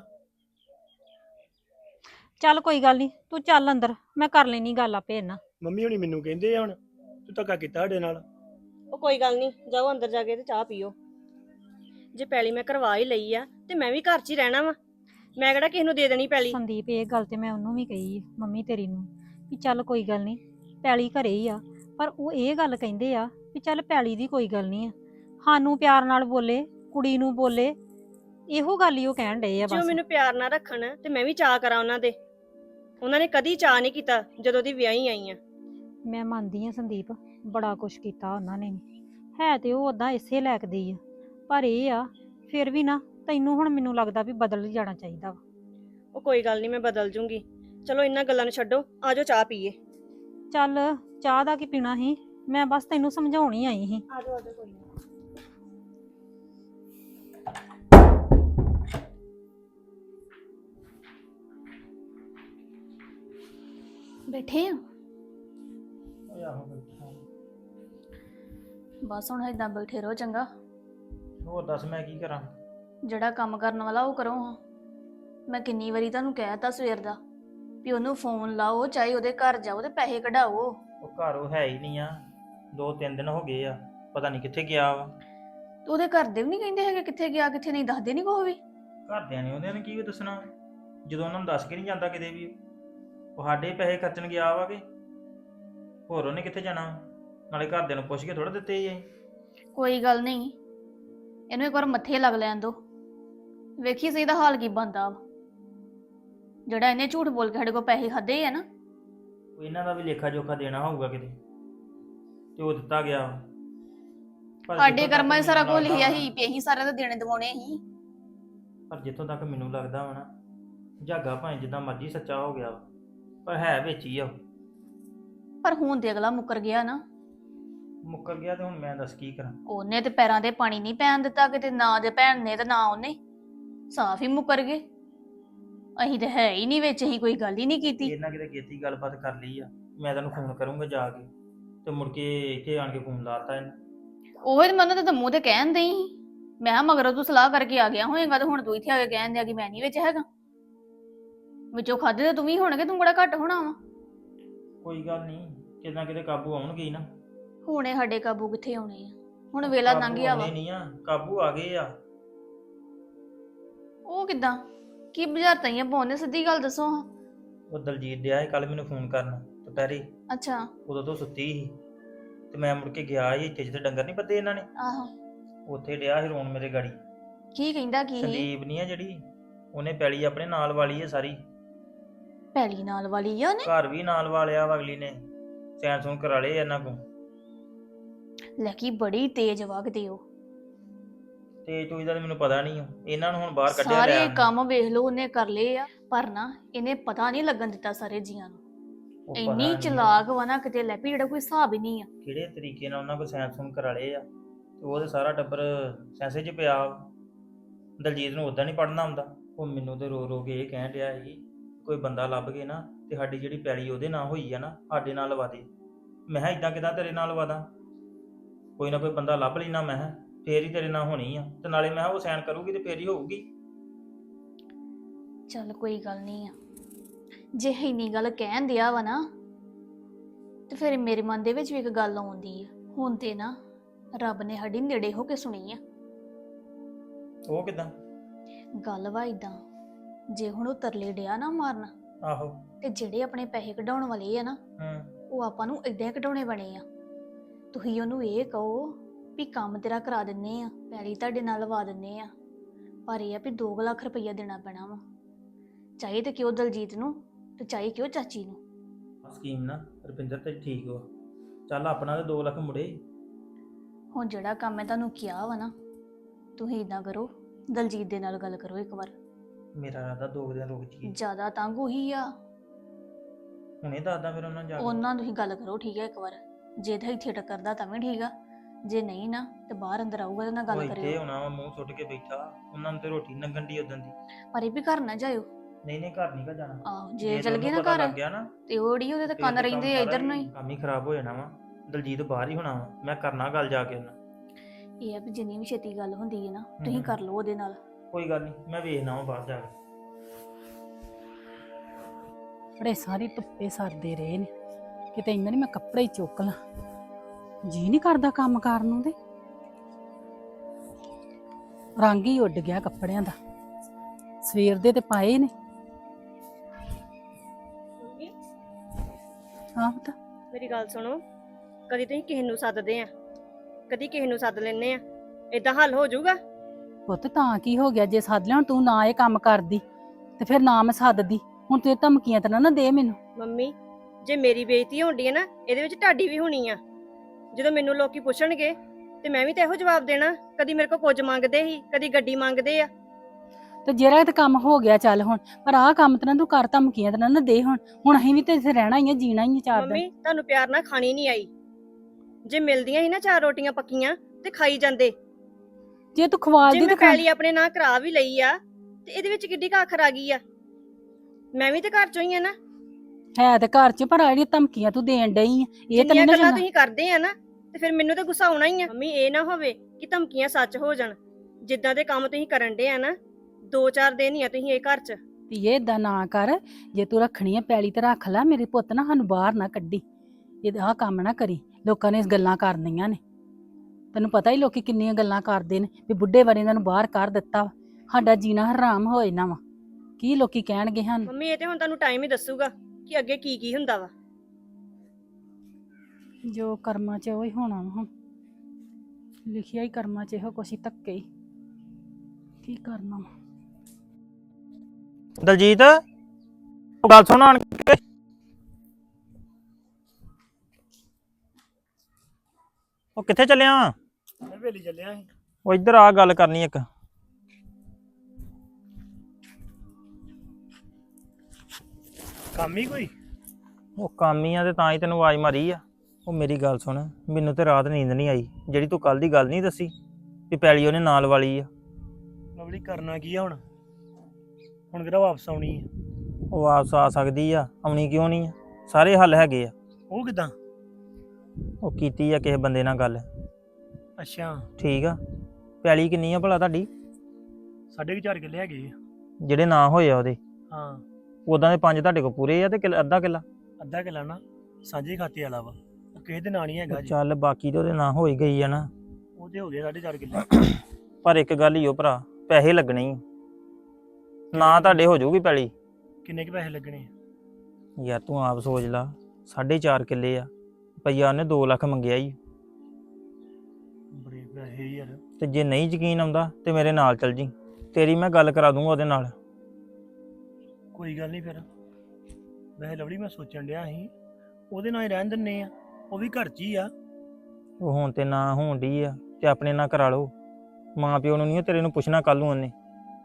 S2: ਚੱਲ ਕੋਈ ਗੱਲ ਨਹੀਂ, ਤੂੰ ਚੱਲ ਅੰਦਰ, ਮੈਂ ਕਰ ਲੈਣੀ ਗੱਲ ਆਪੇ ਇਹਨਾਂ।
S4: ਮੰਮੀ ਹੁਣੀ ਮੈਨੂੰ ਕਹਿੰਦੇ ਆ ਹੁਣ ਤੂੰ ਧੱਕਾ ਕੀਤਾ ਸਾਡੇ ਨਾਲ।
S1: ਉਹ ਕੋਈ ਗੱਲ ਨਹੀਂ, ਜਾਓ ਅੰਦਰ ਜਾ ਕੇ ਤੇ ਚਾਹ ਪੀਓ। ਜੇ ਪੈਲੀ ਮੈਂ ਕਰਵਾ ਹੀ ਲਈ ਆ ਤੇ ਮੈਂ ਵੀ ਘਰ 'ਚ ਹੀ ਰਹਿਣਾ ਵਾ, ਮੈਂ ਕਿਹੜਾ ਕਿਸੇ ਨੂੰ ਦੇ ਦੇਣੀ ਪੈਲੀ।
S2: ਸੰਦੀਪ, ਇਹ ਗੱਲ ਤੇ ਮੈਂ ਉਹਨੂੰ ਵੀ ਕਹੀ ਮੰਮੀ ਤੇਰੀ ਨੂੰ ਵੀ ਚੱਲ ਕੋਈ ਗੱਲ ਨਹੀਂ, ਪੈਲੀ ਘਰੇ ਹੀ ਆ। ਪਰ ਉਹ ਇਹ ਗੱਲ ਕਹਿੰਦੇ ਆ ਵੀ ਚੱਲ ਪੈਲੀ ਦੀ ਕੋਈ ਗੱਲ ਨਹੀਂ ਆ, ਸਾਨੂੰ ਪਿਆਰ ਨਾਲ ਬੋਲੇ, ਕੁੜੀ ਨੂੰ ਬੋਲੇ, ਇਹੋ ਗੱਲ ਹੀ ਉਹ ਕਹਿਣ ਡਏ ਆ
S1: ਜੇ ਉਹ
S2: ਬਸ।
S1: ਮੈਨੂੰ ਪਿਆਰ ਨਾਲ ਰੱਖਣ ਤੇ ਮੈਂ ਵੀ ਚਾਹ ਕਰਾਂ ਉਹਨਾਂ ਦੇ। ਉਹਨਾਂ ਨੇ ਕਦੀ ਚਾਹ ਨਹੀਂ ਕੀਤਾ ਜਦੋਂ ਦੀ ਵਿਆਹੀ ਆਈ ਆ।
S2: ਮੈਂ ਮੰਨਦੀ ਆ ਸੰਦੀਪ, ਬੜਾ ਕੁਛ ਕੀਤਾ ਉਹਨਾਂ ਨੇ ਵੀ। ਹੈ ਤੇ ਉਹ ਓਦਾਂ ਇਸੇ ਲਾਇਕ ਦੀ ਆ, ਪਰ ਇਹ ਆ ਫਿਰ ਵੀ ਨਾ ਤੈਨੂੰ ਹੁਣ ਮੈਨੂੰ ਲੱਗਦਾ ਵੀ ਬਦਲ ਹੀ ਜਾਣਾ ਚਾਹੀਦਾ ਵਾ।
S1: ਉਹ ਕੋਈ ਗੱਲ ਨਹੀਂ, ਮੈਂ ਬਦਲ ਜੂੰਗੀ। ਚਲੋ ਇਹਨਾਂ ਗੱਲਾਂ ਨੂੰ ਛੱਡੋ, ਆਜੋ ਚਾਹ ਪੀਏ।
S2: ਚੱਲ ਚਾਹ ਦਾ ਕੀ ਪੀਣਾ ਸੀ, ਮੈਂ ਬਸ ਤੈਨੂੰ ਸਮਝਾਉਣੀ ਆਈ ਸੀ।
S1: ਆਜੋ ਆਜੋ ਕੋਈ ਨਾ।
S3: ਬੈਠੇ ਆ?
S4: ਓਏ ਆਹੋ ਬੈਠਾ।
S3: ਬਸ ਹੁਣ ਏਦਾਂ ਬੈਠੇ ਰਹੋ ਚੰਗਾ।
S6: ਹੋਰ ਦੱਸ ਮੈਂ ਕੀ ਕਰਾਂ?
S3: ਜਿਹੜਾ ਕੰਮ ਕਰਨ ਵਾਲਾ ਉਹ ਕਰੋ ਹਾਂ। ਮੈਂ ਕਿੰਨੀ ਵਾਰੀ ਤੁਹਾਨੂੰ ਕਹਿਤਾ ਸਵੇਰ ਦਾ ਵੀ ਉਹਨੂੰ ਫੋਨ ਲਾਓ, ਚਾਹੇ ਉਹਦੇ ਘਰ ਜਾਓ ਤੇ ਪੈਸੇ ਕਢਾਓ।
S6: ਉਹ ਘਰ ਉਹ ਹੈ ਹੀ ਨਹੀਂ ਆ, 2-3 ਦਿਨ ਹੋ ਗਏ ਆ, ਪਤਾ ਨਹੀਂ ਕਿੱਥੇ ਗਿਆ ਵਾ।
S3: ਤੇ ਉਹਦੇ ਘਰ ਦੇ ਵੀ ਨਹੀਂ ਕਹਿੰਦੇ ਹੈਗੇ ਕਿੱਥੇ ਗਿਆ ਕਿੱਥੇ ਨਹੀਂ, ਦੱਸਦੇ ਨਹੀਂ ਕੋਈ ਵੀ।
S6: ਘਰਦਿਆਂ ਨੇ ਉਹਦਿਆਂ ਨੇ ਕੀ ਦੱਸਣਾ ਜਦੋਂ ਉਹਨਾਂ ਨੂੰ ਦੱਸ ਕੇ ਨਹੀਂ ਜਾਂਦਾ ਕਿਤੇ ਵੀ। ਉਹ ਸਾਡੇ ਪੈਸੇ ਖਰਚਣ ਗਿਆ ਵਾ ਕਿ ਹੋਰ ਉਹਨੇ ਕਿੱਥੇ ਜਾਣਾ? ਨਾਲੇ ਘਰਦਿਆਂ ਨੂੰ ਪੁੱਛ ਕੇ ਥੋੜਾ ਦਿੱਤੇ ਜੀ।
S3: ਕੋਈ ਗੱਲ ਨਹੀਂ, ਇਹਨੂੰ ਇੱਕ ਵਾਰ ਮੱਥੇ ਲੱਗ ਲੈਣ ਦੋ, ਵੇਖੀ ਸਹੀ ਦਾ ਹਾਲ ਕੀ ਬਣਦਾ ਵਾ। ਜਿਹੜਾ ਇਹਨੇ ਝੂਠ ਬੋਲ ਕੇ ਸਾਡੇ ਕੋਲ ਪੈਸੇ ਖਾਦੇ ਆ ਨਾ,
S6: ਉਹ ਇਹਨਾਂ ਦਾ ਵੀ ਲੇਖਾ ਜੋਖਾ ਦੇਣਾ ਹੋਊਗਾ ਕਿਤੇ, ਤੇ ਉਹ ਦਿੱਤਾ ਗਿਆ ਵਾ। ਪਰ
S3: ਸਾਡੇ
S6: ਜਿੱਥੋਂ ਤੱਕ
S3: ਕਰਮਾਂ 'ਚ ਸਾਰਾ
S6: ਮੈਨੂੰ
S3: ਕੁਝ ਲਿਖਿਆ
S6: ਲੱਗਦਾ
S3: ਸੀ ਵੀ ਅਸੀਂ ਸਾਰਿਆਂ ਦੇ ਦੇਣੇ ਦਵਾਉਣੇ ਸੀ।
S6: ਪਰ ਜਿੱਥੋਂ ਤੱਕ ਮੈਨੂੰ ਲੱਗਦਾ ਵਾ ਨਾ, ਜਾਗਾ ਭਾਵੇਂ ਜਿੱਦਾਂ ਮਰਜ਼ੀ ਸੱਚਾ ਹੋ ਗਿਆ ਵਾ, ਪਰ ਹੈ ਵਿੱਚ ਹੀ ਆ ਉਹ।
S3: ਪਰ ਹੁਣ ਤੇ ਅਗਲਾ ਮੁੱਕਰ ਗਿਆ ਨਾ।
S6: ਮੁੱਕਰ ਗਿਆ ਤੇ ਹੁਣ ਮੈਂ ਦੱਸ ਕੀ ਕਰਾਂ?
S3: ਉਹਨੇ ਤੇ ਪੈਰਾਂ ਤੇ ਪਾਣੀ ਨਹੀਂ ਪੈਣ ਦਿੱਤਾ ਕਿਤੇ, ਨਾ ਦੇ ਭੈਣ ਨੇ ਤੇ ਨਾ ਉਹਨੇ, ਸਾਫ ਹੀ ਮੁੱਕਰ ਗਏ। ਅਸੀਂ ਤੇ ਹੈ ਹੀ ਨਹੀਂ ਵਿੱਚ, ਅਸੀਂ ਕੋਈ ਗੱਲ ਹੀ ਨਹੀਂ ਕੀਤੀ।
S6: ਇਹਨਾਂ ਕਿਤੇ ਕੀਤੀ ਗੱਲਬਾਤ ਕਰ ਲਈ ਆ, ਮੈਂ ਤੈਨੂੰ ਫੋਨ ਕਰੂੰਗਾ ਜਾ ਕੇ, ਤੇ ਮੁੜ ਕੇ ਇੱਥੇ ਆਣ ਕੇ ਫੋਨ ਲਾਤਾ ਇਹਨੇ।
S3: ਉਹ ਹੀ ਮੈਨੂੰ ਤਾਂ ਮੂੰਹ ਤੇ ਕਹਿਣ ਦਈ ਸੀ। ਮੈਂ ਕਿਹਾ ਮਗਰੋਂ ਤੂੰ ਸਲਾਹ ਕਰਕੇ ਆ ਗਿਆ ਹੋਏਗਾ ਤੇ ਹੁਣ ਤੂੰ ਇੱਥੇ ਆ ਕੇ ਕਹਿਣ ਦਿਆ ਕਿ ਮੈਂ ਨਹੀਂ ਵਿੱਚ ਹੈਗਾ। ਵਿੱਚੋਂ ਖਾਦੇ ਤੇ ਤੂੰ ਵੀ ਹੋਣਗੇ, ਤੂੰ ਬੜਾ ਘੱਟ ਹੋਣਾ ਵਾ।
S6: ਕੋਈ ਗੱਲ ਨਹੀਂ, ਕਿਤੇ ਨਾ ਕਿਤੇ ਕਾਬੂ ਆਉਣਗੇ ਹੀ ਨਾ।
S3: ਹੁਣੇ ਸਾਡੇ ਕਾਬੂ ਕਿੱਥੇ ਆਉਣੇ ਆ, ਹੁਣ ਵੇਲਾ ਲੰਘ ਗਿਆ ਵਾ।
S6: ਨਹੀਂ ਆ, ਕਾਬੂ ਆ ਗਏ ਆ।
S3: ਉਹ ਕਿੱਦਾਂ, ਕੀ ਬੁਝਾਰਤਾਂ ਹੀ ਪਾਉਂਦੇ, ਸਿੱਧੀ ਗੱਲ ਦੱਸੋ ਹਾਂ।
S6: ਉਹ ਦਲਜੀਤ ਡਿਆ ਸੀ ਕੱਲ ਮੈਨੂੰ ਫੋਨ ਕਰਨ ਦੁਪਹਿਰੇ,
S3: ਅੱਛਾ।
S6: ਉਦੋਂ ਤੋਂ ਸੁੱਤੀ ਸੀ ਤੇ ਮੈਂ ਮੁੜ ਕੇ ਗਿਆ ਸੀ ਇੱਥੇ ਜਿੱਥੇ ਡੰਗਰ ਨਹੀਂ ਬੱਧੇ ਇਹਨਾਂ ਨੇ,
S3: ਆਹੋ।
S6: ਉੱਥੇ ਡਿਆ ਸੀ ਰੋਣ ਮੇਰੇ ਗਾੜੀ।
S3: ਕੀ ਕਹਿੰਦਾ ਕੀ?
S6: ਸੰਦੀਪ ਨਹੀਂ ਆ ਜਿਹੜੀ, ਉਹਨੇ ਪੈਲੀ ਆਪਣੇ ਨਾਲ ਵਾਲੀ ਹੈ ਸਾਰੀ,
S3: ਪੈਲੀ ਨਾਲ ਵਾਲੀ ਆ ਉਹਨੇ?
S6: ਘਰ ਵੀ ਨਾਲ ਵਾਲਿਆ ਵਾ ਅਗਲੀ ਨੇ, ਸੈਨ ਸੂਨ ਕਰਾ ਲਏ ਇਹਨਾਂ ਕੋਲ।
S3: ਲੈ ਕੀ ਬੜੀ ਤੇਜ਼ ਵਗਦੇ ਉਹ।
S6: ਤੇ ਚੋਈ ਦਾ ਤਾਂ ਮੈਨੂੰ ਪਤਾ ਨਹੀਂ ਇਹਨਾਂ ਨੂੰ ਹੁਣ ਬਾਹਰ ਕੱਢਿਆ
S3: ਸਾਰੇ
S6: ਲਿਆ
S3: ਕੰਮ ਵੇਖ ਲਓ ਉਹਨੇ ਕਰ ਲਏ ਆ, ਪਰ ਨਾ ਇਹਨੇ ਪਤਾ ਨਹੀਂ ਲੱਗਣ ਦਿੱਤਾ ਸਾਰੇ ਜੀਆਂ ਨੂੰ।
S6: ਉਹ ਪਤਾ
S3: ਇੰਨੀ
S6: ਨੀ
S3: ਚਲਾਕ ਵਾ ਨਾ ਕਿਤੇ ਲੈ ਵੀ ਜਿਹੜਾ ਕੋਈ ਹਿਸਾਬ ਹੀ ਨਹੀਂ ਆ।
S6: ਕਿਹੜੇ ਤਰੀਕੇ ਨਾਲ ਉਹਨਾਂ ਕੋਲ ਸੈਂਸੂਨ ਕਰਾ ਲਏ ਆ ਤੇ ਉਹ ਤੇ ਸਾਰਾ ਟੱਬਰ ਸੈਂਸੇ 'ਚ ਪਿਆ ਵਾ। ਦਲਜੀਤ ਨੂੰ ਉਦਾਂ ਨਹੀਂ ਪੜਨਾ ਆਉਂਦਾ। ਉਹ ਮੈਨੂੰ ਤੇ ਰੋ ਰੋ ਕੇ ਇਹ ਕਹਿਣ ਡਿਆ ਸੀ ਕੋਈ ਬੰਦਾ ਲੱਭ ਕੇ ਨਾ ਤੇ ਸਾਡੀ ਜਿਹੜੀ ਪੈਲੀ ਉਹਦੇ ਨਾਲ ਹੋਈ ਆ ਨਾ ਸਾਡੇ ਨਾਲ ਲਵਾ ਦੇ। ਮੈਂ ਕਿਹਾ ਇਦਾਂ ਕਿਦਾਂ ਤੇਰੇ ਨਾਲ ਲਵਾ ਦਾਂ, ਕੋਈ ਨਾ ਕੋਈ ਬੰਦਾ ਲੱਭ ਲੈਣਾ ਮੈਂ ਕਿਹਾ ਫੇਰ ਹੀ ਤੇਰੇ ਨਾਲ ਹੋਣੀ ਆ, ਤੇ ਨਾਲੇ ਮੈਂ ਕਿਹਾ ਉਹ ਸਾਈਨ ਕਰੂਗੀ ਤੇ ਫੇਰ ਹੀ ਹੋਊਗੀ।
S3: ਚੱਲ ਕੋਈ ਗੱਲ ਨਹੀਂ ਆ, ਜੇ ਇੰਨੀ ਗੱਲ ਕਹਿਣ ਦਿਆ ਵਾ ਨਾ ਤੇ ਫਿਰ ਮੇਰੇ ਮਨ ਦੇ ਵਿੱਚ ਵੀ ਇੱਕ ਗੱਲ ਆਉਂਦੀ ਆ। ਹੁਣ ਤੇ ਨਾ ਰੱਬ ਨੇ ਸਾਡੀ ਨੇੜੇ ਹੋ ਕੇ ਸੁਣੀ ਆ।
S6: ਉਹ ਕਿਦਾਂ?
S3: ਗੱਲ ਵਾ ਇਦਾਂ, ਜੇ ਹੁਣ ਉਹ ਤਰਲੇ ਡਿਆ ਨਾ ਮਾਰਨ,
S6: ਆਹੋ।
S3: ਤੇ ਜਿਹੜੇ ਆਪਣੇ ਪੈਸੇ ਕਢਾਉਣ ਵਾਲੇ ਆ ਨਾ ਉਹ ਆਪਾਂ ਨੂੰ ਇਦਾਂ ਕਢਾਉਣੇ ਬਣੇ ਆ। ਤੁਸੀਂ ਉਹਨੂੰ ਇਹ ਕਹੋ ਵੀ ਕੰਮ ਤੇਰਾ ਕਰਾ ਦਿੰਨੇ ਆ, ਪੈਲੀ ਤੁਹਾਡੇ ਨਾਲ ਲਵਾ ਦਿੰਨੇ ਆ, ਪਰ ਇਹ ਆ ਵੀ 2 ਲੱਖ ਰੁਪਈਆ ਦੇਣਾ ਪੈਣਾ ਵਾ, ਚਾਹੇ ਤੇ ਕਿਉਂ ਦਲਜੀਤ ਨੂੰ ਤੇ ਚਾਹੇ ਕਿਉਂ ਚਾਚੀ ਨੂੰ।
S6: ਸਕੀਮ ਨਾ ਰੁਪਿੰਦਰ ਤੇ ਠੀਕ ਵਾ, ਚੱਲ ਆਪਣਾ ਤੇ 2 ਲੱਖ ਮੁੜੇ।
S3: ਹੁਣ ਜਿਹੜਾ ਕੰਮ ਮੈਂ ਤੁਹਾਨੂੰ ਕਿਹਾ ਵਾ ਨਾ, ਤੁਸੀਂ ਇਦਾਂ ਕਰੋ, ਦਲਜੀਤ ਦੇ ਨਾਲ ਗੱਲ ਕਰੋ ਇੱਕ ਵਾਰ।
S6: ਮੇਰਾ ਰਾਦਾ 2 ਦਿਨ ਰੁਕ ਜੀ,
S3: ਜ਼ਿਆਦਾ ਤੰਗ ਉਹੀ ਆ,
S6: ਹੁਣੇ ਦੱਸਦਾ ਫਿਰ ਉਹਨਾਂ ਨੂੰ ਜਾ ਕੇ।
S3: ਉਹਨਾਂ ਤੁਸੀਂ ਗੱਲ ਕਰੋ ਠੀਕ ਹੈ ਇੱਕ ਵਾਰ। ਜੇ ਤਾਂ ਇੱਥੇ ਟੱਕਰਦਾ ਤਾਂ ਵੀ ਠੀਕ ਆ, ਜੇ ਨਹੀਂ ਨਾ ਤੇ ਬਾਹਰ ਅੰਦਰ ਆਊਗਾ ਤੇ ਨਾਲ
S6: ਉਹ
S3: ਗੱਲ
S6: ਇੱਥੇ
S3: ਕਰਿਓ।
S6: ਹੋਣਾ ਵਾ ਮੂੰਹ ਸੁੱਟ ਕੇ ਬੈਠਾ, ਉਹਨਾਂ ਨੂੰ ਤੇ ਰੋਟੀ ਲੰਘਣ ਦੀ ਉਦੋਂ ਦੀ।
S3: ਪਰ ਇਹ ਵੀ ਘਰ ਨਾ ਜਾਇਓ।
S6: ਨਹੀਂ ਨਹੀਂ ਘਰ ਨਹੀਂ ਗਾ ਜਾਣਾ।
S3: ਆਹੋ ਜੇ
S6: ਤੇ
S3: ਚਲ ਗਈ
S6: ਉਹਨੂੰ
S3: ਨਾ
S6: ਪਤਾ
S3: ਘਰ
S6: ਲੱਗ ਗਿਆ ਨਾ
S3: ਤੇ ਉਹੜੀ ਉਹਦੇ ਤੇ
S6: ਫਿਰ
S3: ਕੰਨ
S6: ਤੇ ਕੰਮ
S3: ਰਹਿੰਦੇ ਆ
S6: ਸਾਰਾ
S3: ਇਧਰ ਨੂੰ ਹੀ।
S6: ਕੰਮ ਹੀ ਖਰਾਬ ਹੋ ਜਾਣਾ ਵਾ। ਦਲਜੀਤ ਬਾਹਰ ਹੀ ਹੋਣਾ ਵਾ, ਮੈਂ ਕਰਨਾ ਗੱਲ ਜਾ ਕੇ ਉਹਨਾਂ।
S3: ਇਹ ਆ ਵੀ ਜਿੰਨੀ ਵੀ ਛੇਤੀ ਗੱਲ ਹੁੰਦੀ ਹੈ ਨਾ ਤੁਸੀਂ
S6: ਹਮ।
S3: ਕਰ ਲਓ ਉਹਦੇ ਨਾਲ।
S6: ਕੋਈ ਗੱਲ ਨਹੀਂ, ਮੈਂ ਵੇਖਣਾ ਵਾ ਬਾਹਰ ਜਾ ਕੇ।
S5: ਕੱਪੜੇ ਸਾਰੇ ਧੁੱਪੇ ਸਰਦੇ ਰਹੇ ਨੇ, ਕਿਤੇ ਇੰਨਾ ਨਹੀਂ ਮੈਂ ਕੱਪੜੇ ਹੀ ਚੁੱਕ ਲਾਂ, ਜੀ ਨਹੀਂ ਕਰਦਾ ਕੰਮ ਕਰਨ ਨੂੰ। ਤੇ ਰੰਗ ਹੀ ਉੱਡ ਗਿਆ ਕੱਪੜਿਆਂ ਦਾ, ਸਵੇਰ ਦੇ ਤੇ ਪਾਏ ਨੇ।
S1: ਮੰਮੀ
S5: ਹਾਂ ਪਤਾ
S1: ਮੇਰੀ ਗੱਲ ਸੁਣੋ, ਕਦੀ ਤੁਸੀਂ ਕਿਸੇ ਨੂੰ ਸੱਦਦੇ ਆ, ਕਦੀ ਕਿਸੇ ਨੂੰ ਸੱਦ ਲੈਨੇ ਆ, ਏਦਾਂ ਹੱਲ ਹੋ ਜਾਊਗਾ?
S5: ਪੁੱਤ ਤਾਂ ਕੀ ਹੋ ਗਿਆ ਜੇ ਸੱਦ ਲਿਆ, ਹੁਣ ਤੂੰ ਨਾ ਇਹ ਕੰਮ ਕਰਦੀ ਤੇ ਫਿਰ ਨਾ ਮੈਂ ਸੱਦਦੀ। ਹੁਣ ਤੇ ਧਮਕੀਆਂ ਤਾਂ ਨਾ ਦੇ ਮੈਨੂੰ।
S1: ਮੰਮੀ ਜੇ ਮੇਰੀ ਬੇਇੱਜ਼ਤੀ ਹੋਣੀ ਹੈ ਨਾ, ਇਹਦੇ ਵਿੱਚ ਤੁਹਾਡੀ ਵੀ ਹੋਣੀ ਆ। ਜਦੋਂ ਮੈਨੂੰ ਲੋਕੀ ਪੁੱਛਣਗੇ ਤੇ ਮੈਂ ਵੀ ਤਾਂ ਇਹੋ ਜਵਾਬ ਦੇਣਾ, ਕਦੀ ਮੇਰੇ ਕੋਲ ਕੁਝ ਮੰਗਦੇ ਸੀ, ਕਦੀ ਗੱਡੀ ਮੰਗਦੇ ਆ।
S5: ਤੇ ਜਿਹੜਾ ਤੇ ਕੰਮ ਹੋ ਗਿਆ ਚੱਲ ਹੁਣ, ਪਰ ਆਹ ਕੰਮ ਤੇ ਨਾ ਤੂੰ ਕਰ, ਧਮਕੀਆਂ ਤੇ ਨਾ ਦੇ। ਹੁਣ ਅਸੀਂ ਵੀ ਤੇ ਇੱਥੇ ਰਹਿਣਾ ਹੀ ਆ, ਜੀਣਾ ਹੀ ਆ 4 ਦਿਨ।
S1: ਮੰਮੀ ਤੁਹਾਨੂੰ ਪਿਆਰ ਨਾਲ ਖਾਣੀ ਨਹੀਂ ਆਈ, ਜੇ ਮਿਲਦੀਆਂ ਸੀ ਨਾ 4 ਰੋਟੀਆਂ ਪੱਕੀਆਂ ਤੇ ਖਾਈ ਜਾਂਦੇ।
S5: ਜੇ ਤੂੰ ਖਵਾਲਦੀ
S1: ਜੇ
S5: ਤੇ
S1: ਮੈਂ ਪੈਲੀ ਆਪਣੇ ਨਾਂ ਕਰਾ ਵੀ ਲਈ ਆ ਤੇ ਇਹਦੇ ਵਿੱਚ ਕਿੱਡੀ ਕਾਖਰ ਆ ਗਈ ਆ? ਮੈਂ ਵੀ ਤੇ ਘਰ ਚੋਂ ਹੀ ਆ ਨਾ।
S5: ਹੈ ਤੇ ਘਰ ਚ, ਪਰ ਆ ਜਿਹੜੀਆਂ ਧਮਕੀਆਂ ਤੂੰ ਦੇਣ ਡਈ ਆ ਇਹ ਤਾਂ
S1: ਜਿੰਨੀਆਂ
S5: ਨਹੀਂ ਨਾ
S1: ਗੱਲਾਂ
S5: ਚੰਗਾ।
S1: ਤੁਸੀਂ ਕਰਦੇ ਆ ਨਾ ਤੇ ਫਿਰ ਮੈਨੂੰ ਤਾਂ ਗੁੱਸਾ ਆਉਣਾ ਹੀ ਆ। ਮੰਮੀ ਇਹ ਨਾ ਹੋਵੇ ਕਿ ਧਮਕੀਆਂ ਸੱਚ ਹੋ ਜਾਣ। ਜਿੱਦਾਂ ਦੇ ਕੰਮ ਤੁਸੀਂ ਕਰਨ ਡੇ ਆ ਨਾ, 2-4 ਦਿਨ ਹੀ ਆ ਤੁਸੀਂ ਇਹ ਘਰ 'ਚ।
S5: ਧੀਏ ਏਦਾਂ ਨਾ ਕਰ, ਜੇ ਤੂੰ ਰੱਖਣੀ ਆ ਪੈਲੀ ਤੇ ਰੱਖ ਲੈ, ਮੇਰੇ ਪੁੱਤ ਨਾ ਸਾਨੂੰ ਬਾਹਰ ਨਾ ਕੱਢੀ। ਇਹ ਆਹ ਕੰਮ ਨਾ ਕਰੀ, ਲੋਕਾਂ ਨੇ ਗੱਲਾਂ ਕਰਨੀਆਂ ਨੇ। ਤੈਨੂੰ ਪਤਾ ਹੀ ਲੋਕੀ ਕਿੰਨੀਆਂ ਗੱਲਾਂ ਕਰਦੇ ਨੇ ਵੀ ਬੁੱਢੇ ਬਾਰੇ ਇਹਨਾਂ ਨੂੰ ਬਾਹਰ ਕਰ ਦਿੱਤਾ ਵਾ, ਸਾਡਾ ਜੀਣਾ ਹਰਾਮ ਹੋਏ ਨਾ ਵਾ। ਕੀ ਲੋਕੀ ਕਹਿਣਗੇ ਸਾਨੂੰ?
S1: ਮੰਮੀ ਇਹ ਤੇ ਹੁਣ ਤੁਹਾਨੂੰ ਟਾਈਮ ਹੀ ਦੱਸੂਗਾ ਕਿ ਅੱਗੇ ਕੀ ਕੀ ਹੁੰਦਾ ਵਾ।
S5: ਜੋ ਕਰਮਾਂ 'ਚ ਉਹੀ ਹੋਣਾ ਵਾ। ਹੁਣ ਲਿਖਿਆ ਹੀ ਕਰਮਾਂ 'ਚ ਇਹੋ ਕੁਛ ਹੀ, ਧੱਕੇ ਹੀ। ਕੀ ਕਰਨਾ ਵਾ?
S6: ਦਲਜੀਤ ਉਹ ਗੱਲ ਸੁਣ ਆਣ ਕੇ। ਉਹ ਕਿੱਥੇ ਚੱਲਿਆ ਵਾਂ?
S4: ਮੈਂ ਵੇਲੀ ਚੱਲਿਆ ਸੀ।
S6: ਉਹ ਇੱਧਰ ਆ, ਗੱਲ ਕਰਨੀ ਇੱਕ।
S4: ਕੰਮ ਹੀ ਕੋਈ?
S6: ਉਹ ਕੰਮ ਹੀ ਆ ਤੇ ਤਾਂ ਹੀ ਤੈਨੂੰ ਆਵਾਜ਼ ਮਾਰੀ ਆ। ਉਹ ਮੇਰੀ ਗੱਲ ਸੁਣ, ਮੈਨੂੰ ਤੇ ਰਾਤ ਨੀਂਦ ਨਹੀਂ ਆਈ, ਜਿਹੜੀ ਤੂੰ ਕੱਲ ਦੀ ਗੱਲ ਨਹੀਂ ਦੱਸੀ ਵੀ ਪੈਲੀ ਉਹਨੇ ਨਾਲ ਵਾਲੀ ਆ।
S4: ਲਵਲੀ ਕਰਨਾ ਕੀ ਆ ਹੁਣ? ਹੁਣ ਕਿਹੜਾ ਵਾਪਸ ਆਉਣੀ ਆ?
S6: ਉਹ ਵਾਪਸ ਆ ਸਕਦੀ ਆ, ਆਉਣੀ ਕਿਉਂ ਨਹੀਂ ਆ? ਸਾਰੇ ਹੱਲ ਹੈਗੇ ਆ।
S4: ਉਹ ਕਿਦਾਂ?
S6: ਉਹ ਕੀਤੀ ਆ ਕਿਸੇ ਬੰਦੇ ਨਾਲ ਗੱਲ।
S4: ਅੱਛਾ,
S6: ਠੀਕ ਆ। ਪੈਲੀ ਕਿੰਨੀ ਆ ਭਲਾ ਤੁਹਾਡੀ?
S4: 4.5 ਕਿੱਲੇ ਹੈਗੇ ਆ।
S6: ਜਿਹੜੇ ਨਾ ਹੋਏ ਆ ਉਹਦੇ?
S4: ਹਾਂ,
S6: ਉਦਾਂ ਦੇ 5 ਤੁਹਾਡੇ ਕੋਲ ਪੂਰੇ ਆ ਤੇ ਅੱਧਾ ਕਿੱਲਾ?
S4: ਅੱਧਾ ਕਿੱਲਾ ਨਾ ਸਾਂਝੇ ਖਾਤੇ ਵਾਲਾ ਵਾ, ਉਹ ਕਿਸੇ ਦੇ ਨਾਂ ਨਹੀਂ ਹੈਗਾ ਜੀ।
S6: ਚੱਲ ਬਾਕੀ ਤੇ ਉਹਦੇ ਨਾਂ ਹੋ ਹੀ ਗਈ ਆ ਨਾ।
S4: ਉਹਦੇ ਹੋ ਗਏ 4.5 ਕਿੱਲੇ।
S6: ਪਰ ਇੱਕ ਗੱਲ ਹੀ ਉਹ ਭਰਾ, ਪੈਸੇ ਲੱਗਣੇ ਹੀ ਨਾ ਤੁਹਾਡੇ ਹੋ ਜਾਊਗੀ ਪੈਲੀ।
S4: ਕਿੰਨੇ ਕੁ ਪੈਸੇ ਲੱਗਣੇ ਆ?
S6: ਯਾਰ ਤੂੰ ਆਪ ਸੋਚ ਲਾ, 4.5 ਕਿੱਲੇ ਆ, ਭਈਆ ਉਹਨੇ 2 ਲੱਖ ਮੰਗਿਆ ਹੀ।
S4: ਬੜੇ ਪੈਸੇ ਯਾਰ।
S6: ਤੇ ਜੇ ਨਹੀਂ ਯਕੀਨ ਆਉਂਦਾ ਤੇ ਮੇਰੇ ਨਾਲ ਚੱਲ ਜੀ, ਤੇਰੀ ਮੈਂ ਗੱਲ ਕਰਾ ਦੂੰਗਾ ਉਹਦੇ ਨਾਲ।
S4: ਕੋਈ ਗੱਲ ਨਹੀਂ ਫਿਰ। ਵੈਸੇ ਲਵਲੀ ਮੈਂ ਸੋਚਣ ਡਿਆ ਸੀ ਉਹਦੇ ਨਾਲ ਹੀ ਰਹਿਣ ਦਿੰਨੇ ਆ, ਉਹ ਵੀ ਘਰ 'ਚ ਹੀ ਆ।
S6: ਉਹ ਹੁਣ ਤੇ ਨਾ ਹੋਣ ਡਈ ਆ ਤੇ ਆਪਣੇ ਨਾਲ ਕਰਾ ਲਓ। ਮਾਂ ਪਿਓ ਨੂੰ ਨਹੀਂ ਤੇਰੇ ਨੂੰ ਪੁੱਛਣਾ ਕੱਲ ਨੂੰ ਉਹਨੇ।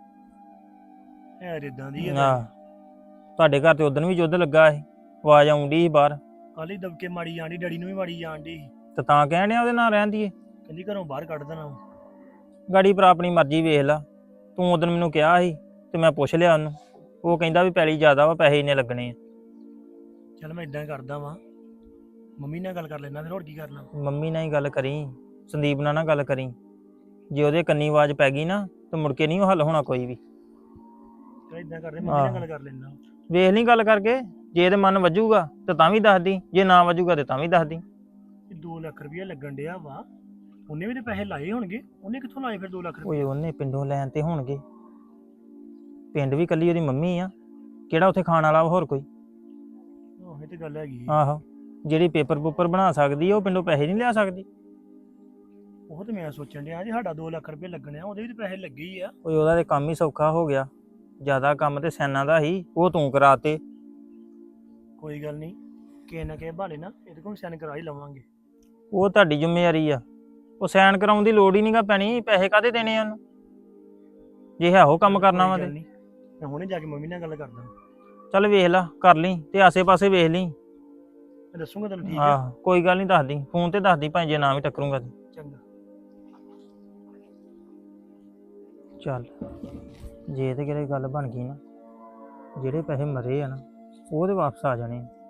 S4: ਹੈ ਇਦਾਂ ਦੀ ਹੈ
S6: ਆਹ ਤੁਹਾਡੇ ਘਰ ਤੇ ਉਦੋਂ ਵੀ ਯੁੱਧ ਲੱਗਾ ਸੀ, ਆਵਾਜ਼ ਆਉਂਦੀ ਸੀ ਬਾਹਰ,
S4: ਕੱਲ ਹੀ ਦਬਕੇ ਮਾਰੀ ਜਾਂਦੀ, ਡੈਡੀ ਨੂੰ ਵੀ ਮਾਰੀ ਜਾਂਦੀ,
S6: ਤੇ ਤਾਂ ਕਹਿਣ ਡਿਆ ਉਹਦੇ ਨਾਲ ਰਹਿੰਦੀ ਏ।
S4: ਕਹਿੰਦੀ ਘਰੋਂ ਬਾਹਰ ਕੱਢ ਦੇਣਾ।
S6: ਗਾੜੀ ਪਰ ਆਪਣੀ ਮਰਜ਼ੀ ਵੇਖ ਲਾ, ਤੂੰ ਉਦੋਂ ਮੈਨੂੰ ਕਿਹਾ ਸੀ ਤੇ ਮੈਂ ਪੁੱਛ ਲਿਆ ਉਹਨੂੰ, ਉਹ ਕਹਿੰਦਾ ਵੀ ਪੈਲੀ ਜ਼ਿਆਦਾ ਵਾ, ਪੈਸੇ ਇੰਨੇ ਲੱਗਣੇ ਆ।
S4: ਚੱਲ ਮੈਂ ਇਦਾਂ ਕਰਦਾ ਵਾਂ, ਮੰਮੀ ਨਾਲ ਗੱਲ ਕਰ ਲੈਣਾ, ਫਿਰ ਹੋਰ ਕੀ ਕਰਨਾ।
S6: ਮੰਮੀ ਨਾਲ ਹੀ ਗੱਲ ਕਰੀ, ਸੰਦੀਪ ਨਾਲ ਨਾ ਗੱਲ ਕਰੀ, ਜੇ ਉਹਦੇ ਕੰਨੀ ਆਵਾਜ਼ ਪੈ ਗਈ ਨਾ ਤੇ ਮੁੜ ਕੇ ਨਹੀਂ ਉਹ ਹੱਲ ਹੋਣਾ ਕੋਈ ਵੀ।
S4: ਚੱਲ ਇਦਾਂ ਕਰਦੇ, ਮੰਮੀ ਨਾਲ ਗੱਲ ਕਰ ਲੈਣਾ।
S6: ਵੇਖ ਲਈ ਗੱਲ ਕਰਕੇ, ਜੇ ਇਹਦੇ ਮਨ ਵੱਜੂਗਾ ਤੇ ਤਾਂ ਵੀ ਦੱਸਦੀ, ਜੇ ਨਾ ਵੱਜੂਗਾ ਤੇ ਤਾਂ ਵੀ ਦੱਸਦੀ।
S4: 2 ਲੱਖ ਰੁਪਇਆ ਲੱਗਣ ਡਿਆ ਵਾ, ਉਹਨੇ ਵੀ ਤੇ ਪੈਸੇ ਲਾਏ ਹੋਣਗੇ, ਉਹਨੇ ਕਿੱਥੋਂ ਲਾਏ ਫਿਰ 2 ਲੱਖ
S6: ਓਏ
S4: ਰੁਪਇਆ?
S6: ਉਹਨੇ ਪਿੰਡੋਂ ਲੈਣ ਤੇ ਹੋਣਗੇ, ਪਿੰਡ ਵੀ ਕੱਲੀ ਉਹਦੀ ਮੰਮੀ ਆ, ਕਿਹੜਾ ਉੱਥੇ ਖਾਣ ਵਾਲਾ ਹੋਰ ਕੋਈ।
S4: ਇਹ ਤੇ ਗੱਲ ਹੈਗੀ।
S6: ਆਹੋ, ਜਿਹੜੀ ਪੇਪਰ ਪੂਪਰ ਬਣਾ ਸਕਦੀ ਆ ਉਹ ਪਿੰਡੋਂ ਪੈਸੇ ਨਹੀਂ ਲਿਆ ਸਕਦੀ।
S4: ਉਹ ਤੇ ਮੈਂ ਸੋਚਣ ਡਿਆ ਜੀ ਸਾਡਾ 2 ਲੱਖ ਰੁਪਇਆ ਲੱਗਣਾ, ਉਹਦੇ ਵੀ ਤੇ ਪੈਸੇ ਲੱਗੇ ਹੀ ਆ।
S6: ਓਏ ਉਹਦਾ ਤੇ ਕੰਮ ਹੀ ਸੌਖਾ ਹੋ ਗਿਆ, ਜ਼ਿਆਦਾ ਕੰਮ ਤੇ ਸੈਨਾਂ ਦਾ ਹੀ, ਉਹ ਤੂੰ ਕਰਾਤੇ।
S4: ਕੋਈ ਗੱਲ ਨਹੀਂ, ਕਿਸੇ ਨਾ ਕਿਸੇ ਬਹਾਨੇ ਨਾ ਇਹਦੇ ਕੋਲ ਸਾਈਨ ਕਰਾ ਹੀ ਲਵਾਂਗੇ।
S6: ਉਹ ਤੁਹਾਡੀ ਜ਼ਿੰਮੇਵਾਰੀ ਆ, ਉਹ ਸਾਈਨ ਕਰਾਉਣ ਦੀ ਲੋੜ ਹੀ ਨਹੀਂਗਾ ਪੈਣੀ, ਪੈਸੇ ਕਾਹਦੇ ਦੇਣੇ ਆ ਉਹਨੂੰ, ਜੇ ਹੈ ਉਹ ਕੰਮ ਕਰਨਾ ਵਾ
S4: ਕੋਈ ਗੱਲ
S6: ਤੇ।
S4: ਨੀ, ਮੈਂ ਹੁਣੇ ਜਾ ਕੇ ਮੰਮੀ ਨਾਲ ਗੱਲ ਕਰਦਾ,
S6: ਚੱਲ ਵੇਖ ਲਾ, ਕਰ ਲਈ ਤੇ ਆਸੇ-ਪਾਸੇ ਵੇਖ ਲਈ।
S4: ਮੈਂ ਦੱਸੂਗਾ ਤੈਨੂੰ, ਠੀਕ ਹੈ?
S6: ਆਹ ਕੋਈ ਗੱਲ ਨਹੀਂ, ਦੱਸਦੀ ਫੋਨ ਤੇ ਦੱਸਦੀ, ਭਾਵੇਂ ਜੇ ਨਾ ਵੀ ਟੱਕਰੂੰਗਾ ਤੇ।
S4: ਚੰਗਾ।
S6: ਚੱਲ ਜੇ ਤੇ ਕਿਤੇ ਗੱਲ ਬਣ ਗਈ ਨਾ, ਜਿਹੜੇ ਪੈਸੇ ਮਰੇ ਆ ਨਾ ਉਹ ਤੇ ਵਾਪਸ ਆ ਜਾਣੇ ਆ।